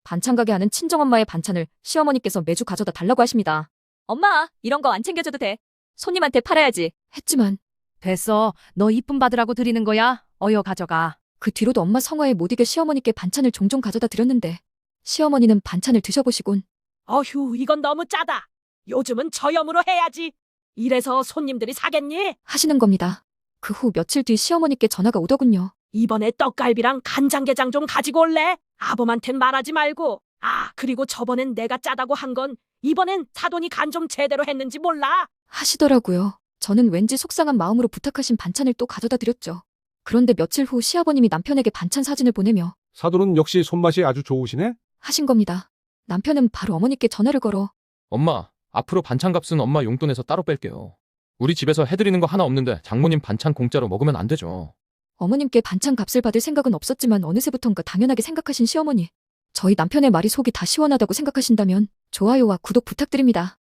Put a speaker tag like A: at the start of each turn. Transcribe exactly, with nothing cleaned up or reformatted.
A: 반찬 가게 하는 친정엄마의 반찬을 시어머니께서 매주 가져다 달라고 하십니다. 엄마, 이런 거 안 챙겨줘도 돼. 손님한테 팔아야지. 했지만
B: 됐어. 너 이쁨 받으라고 드리는 거야. 어여 가져가.
A: 그 뒤로도 엄마 성화에 못 이겨 시어머니께 반찬을 종종 가져다 드렸는데 시어머니는 반찬을 드셔보시곤
C: 어휴, 이건 너무 짜다. 요즘은 저염으로 해야지. 이래서 손님들이 사겠니?
A: 하시는 겁니다. 그 후 며칠 뒤 시어머니께 전화가 오더군요.
C: 이번에 떡갈비랑 간장게장 좀 가지고 올래? 아범한텐 말하지 말고. 아, 그리고 저번엔 내가 짜다고 한 건 이번엔 사돈이 간 좀 제대로 했는지 몰라.
A: 하시더라고요. 저는 왠지 속상한 마음으로 부탁하신 반찬을 또 가져다 드렸죠. 그런데 며칠 후 시아버님이 남편에게 반찬 사진을 보내며
D: 사돈은 역시 손맛이 아주 좋으시네?
A: 하신 겁니다. 남편은 바로 어머니께 전화를 걸어
E: 엄마, 앞으로 반찬값은 엄마 용돈에서 따로 뺄게요. 우리 집에서 해드리는 거 하나 없는데 장모님 반찬 공짜로 먹으면 안 되죠.
A: 어머님께 반찬 값을 받을 생각은 없었지만 어느새부턴가 당연하게 생각하신 시어머니. 저희 남편의 말이 속이 다 시원하다고 생각하신다면 좋아요와 구독 부탁드립니다.